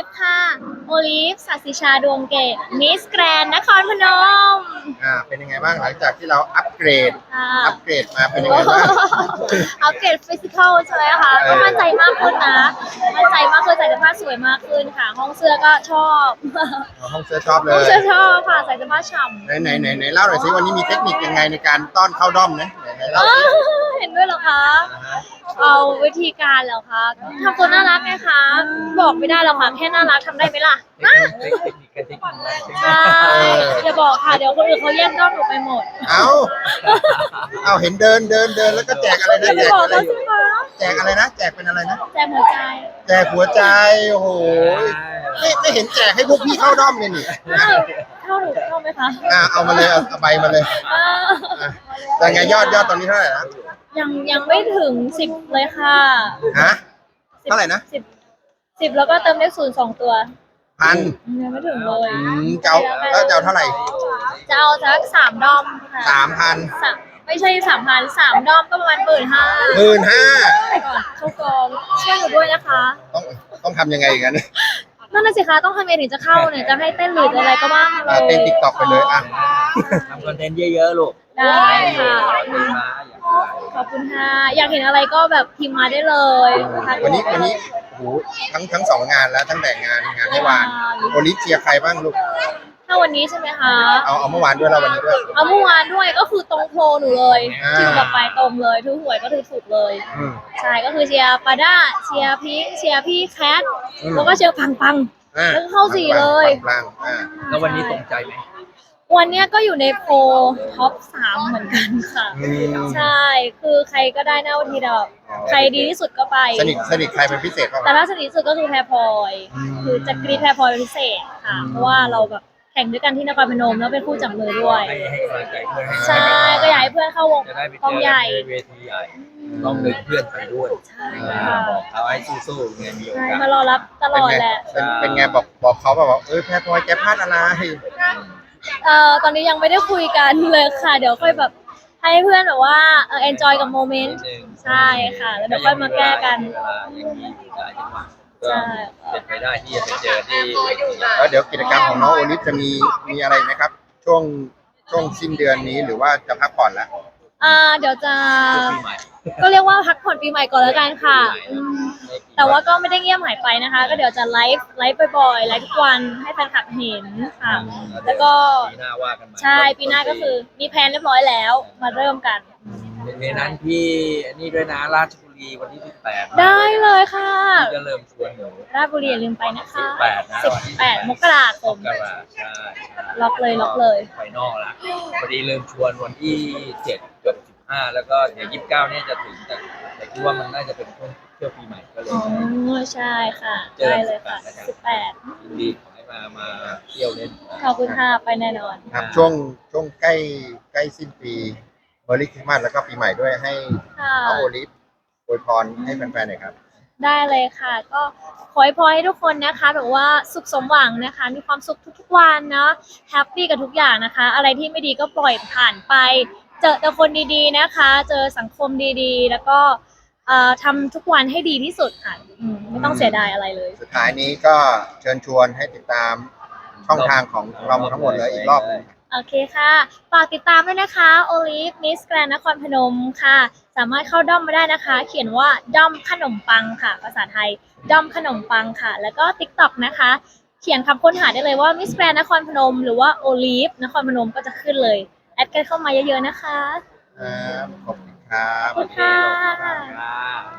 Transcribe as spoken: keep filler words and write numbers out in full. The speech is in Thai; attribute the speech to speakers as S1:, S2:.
S1: ฟค่ะโอลิฟสัสิชาดวงเกตมิสแกรนนครพนม
S2: อ่าเป็นยังไงบ้างหลังจากที่เราอัปเกรด
S1: ค่ะ
S2: อัปเกรดมาเป็นยังไงบ้าง
S1: อัปเกรดฟิสิกอลใช่ไหมคะก็มั่นใจมากขึ้นนะมั่นใจมากขึ้นใส่เสื้อผ้าสวยมากขึ้นค่ะห้องเสื้อก็ชอบ
S2: ห้องเสื้อชอบเล
S1: ห้อง
S2: ย
S1: เสื้อชอบค่ะใส่เสื้อผ้าฉ่ำ
S2: ไหนไหนไหนไหนเล่าหน่อยสิวันนี้มีเทคนิคยังไงในการต้อนเข้าด้อมนะไหนไหนเล่าสิ
S1: เห็นด้วยเหรอคะเอาวิธีการเหรอคะทำตัวน่ารักไงคะบอกไม่ได้หรอกค่ะแค่น่ารักทำได้ไหมล่ะ
S3: เทคนิคกันที่มันมาใช่ไหม
S1: ใช่อย่าบอกค่ะเดี๋ยวคนอื่นเขาแย่งด้อมหนูไปหมด
S2: เอาเอาเห็นเดินเดินเดินแล้วก็แจกอะไรนะ
S1: อย่า
S2: แจก
S1: บอก
S2: อะไร
S1: เขาสิคะ
S2: แจกอะไรนะแจกเป็นอะไรนะ
S1: แจกหัวใจ
S2: แจกหัวใจโอ้โหไม่ไม่เห็นแจกให้พวกพี่เข้าด้อมเลยนี่
S1: อ้าวเข้าหนูเข้าไหมคะ
S2: อ่าเอามาเลยเอาเอาใบมาเลย
S1: เออ
S2: อ่ะแต่ไงยอดยอดตอนนี้เท่าไหร่นะ
S1: ยังยังไม่ถึงสิบเลยค่ะ
S2: ฮะ
S1: สิบ
S2: เท่าไหร่นะ
S1: สิบสิบแล้วก็เติมเลขศูนย์สองตัว
S2: พัน
S1: ยังไม่ถึงเลย
S2: อืมจะเอาแล้วจะเอาเท่าไหร่
S1: จะเอาสักสามดอมค่ะ
S2: สามพัน
S1: สามไม่ใช่สามพันสามดอมก็ประมาณหมื่นห้า
S2: หมื่นห้า
S1: ไปก่อนเข้ากองช่วยหนูด้วยนะคะ
S2: ต้องต้องทำยังไงกัน
S1: นั่นน่ะสิคะต้องทำยังไงถึงจะเข้าเนี่ยจะให้เต้นหรือจะอะไรก็บ้างเล
S2: อ่าย เต้นติ๊กต็อกไปเลยอ่ะ
S3: ทำคอนเทนต์เยอะๆลูก
S1: ได้ค่ะ
S3: เป็นมาอย่างไร
S1: ขอบคุณค่ะอยากเห็นอะไรก็แบบพิมพ์มาได้เลยทัก
S2: วันนี้วันนี้โอ้โหทั้งทั้งสองงานแล้วตั้งแต่งานงานเมื่อวานโอลิฟเชียร์ใครบ้างลูก
S1: ถ้าวันนี้ใช่ไหมคะ
S2: เอาเอาเมื่อวานด้วยแล้ววันนี้ด้วย
S1: เอาเมื่อวานด้วยก็คือตรงโพลหนูเลย
S2: อ่า
S1: ที่หนูแบบไปตรงเลยทุกหวยก็ถือถูกเลย
S2: อืม
S1: ใช่ก็คือเชียร์ปาด้าเชียร์พีคเชียร์พี่แคท
S2: อืม
S1: แล้วก็เชียร์ปังปัง
S2: อ่ะ
S1: แล้วก็เข้าสี่เลย
S2: ปลางๆอ่า
S3: แล้ววันนี้ตรงใจไหม
S1: วันเนี้ยก็อยู่ในโพลท็อปสามเหมือนกันค่ะ
S2: อืม
S1: ใช่คือใครก็ได้หน้าวันทีเดียวใครดีที่สุดก็ไป
S2: สนิทสนิทใครเป็นพิเศษบ้าง
S1: แต่ถ้าสนิทที่สุดก็คือแพรพลอย
S2: อืม
S1: คือจะกรีดแพรพลอยเป็นพิเศษค่ะ
S2: อืม
S1: เพราะว่าเราแบบแข่งด้วยกันที่นครพนมแล้วเป็นคู่จับมือด้วย
S3: ให้ให้กำลังใจเพื่อน
S1: ใช่ก็อยากให้เพื่อนเข้าวง
S3: จะได้ไป
S1: ก
S3: เจ
S1: อง
S3: อ
S1: ใหญ่
S3: ในเวทีใหญ่ต้องดึงเพื่อนไปด้วย
S1: ใช่
S3: อ่า
S1: ค่ะ
S3: บอกเขาให้สู้ๆไงมีโอ
S1: ใช่
S3: กาส
S1: มารอรับตล
S2: เป็น
S1: อด
S2: ไง
S1: แหละ
S2: เป็นเป็นไงบอกบอกเขาแบบว่าเอ้ยแพรพลอยแกพลาดอะไร
S1: เอ่อตอนนี้ยังไม่ได้คุยกันเลยค่ะ เดี๋ยวค่อยแบบให้เพื่อนแบบว่าเออ enjoy กับโมเมนต์ใช่ค่ะ แล้วเดี๋ยวค่อยมาแก้กัน
S3: เวลาอย่างนี้หลายจังหวะ
S1: ใช่
S3: ก็เป็นไปได้ที่จะไปเจอที่เวทีใหญ่
S2: แล้วเดี๋ยวกิจกรรมของน้องโอลิฟจะมีมีอะไรไหมครับ ช่วงช่วงสิ้นเดือนนี้หรือว่าจะพักผ่อนแล้ว
S1: อ่าเดี๋ยวจะ
S3: ปีใหม่
S1: ก็เรียกว่าพักผ่อนปีใหม่ก่อนแล้วกันค่ะอืมแต่ว่าก็ไม่ได้เงียบหายไปนะคะ ก็เดี๋ยวจะไลฟ์ไลฟ์บ่อยๆไลฟ์ทุกวันให้แฟนคลับเห็นค่ะ แล้วก็
S3: ปีหน้าว่ากันใหม่
S1: ใช่ปีหน้าก็คือมีแพลนเรียบร้อยแล้วมาเริ่มกัน
S3: ในนั้นพี่อันนี้ด้วยนะราชบุรีวันที่สิบแปด
S1: ได้เลยค่ะ
S3: พี่จะเริ่มชวนหนู
S1: ราชบุรีอย่าลืมไปนะคะ
S3: สิบแปดนะ
S1: สิบแปดมกราค
S3: ม
S1: ม
S3: กราใช่
S1: ล็อกเลยล็อกเลย
S3: ไฟนอลละพอดีเริ่มชวนวันที่เจ็ดกับสิบห้าแล้วก็เดี๋ยวยี่สิบเก้าเนี่ยจะถึงแต่แต่คิดว่ามันน่าจะเป็นช่วงเที่ยวปีใหม่ก็เลย
S1: อ๋อใช่ค่ะได้เลยค่ะสิบแปด
S3: ยินดีขอให้มามาเที่ยวเล่น
S1: ขอบคุณค่ะไปแน่นอน
S2: ครับช่วงช่วงใกล้ใกล้สิ้นปีเมอริคริสต์มาสแล้วก็ปีใหม่ด้วยให้
S1: ค่ะ
S2: น้องโอลิฟอวยพรให้แฟนๆหน่อยครับ
S1: ได้เลยค่ะ ก็ขอให้พรให้ทุกคนนะคะแบบว่าสุขสมหวังนะคะ มีความสุขทุกๆวันเนาะแฮปปี้กับทุกอย่างนะคะ อะไรที่ไม่ดีก็ปล่อยผ่านไป เจอแต่คนดีๆนะคะ เจอสังคมดีๆ แล้วก็เอ่อทำทุกวันให้ดีที่สุดค่ะอืมไม่ต้องเสียดายอะไรเลย
S2: สุดท้ายนี้ก็เชิญชวนให้ติดตามช่องทางของของเราทั้งหมดเลยอีกรอบหนึง
S1: โอเคค่ะฝากติดตามด้วยนะคะโอลิฟมิสแกรนนครพนมค่ะ สามารถเข้าด้อมมาได้นะคะ เขียนว่าด้อมขนมปังค่ะ ภาษาไทยด้อมขนมปังค่ะ แล้วก็ TikTok นะคะ เขียนคำค้นหาได้เลยว่ามิสแกรนนครพนมหรือว่าโอลิฟนครพนมก็จะขึ้นเลย แอดกันเข้ามาเยอะๆนะคะ
S2: ครับขอบคุณครับ
S1: ขอบคุณค่ะ
S3: ค่ะ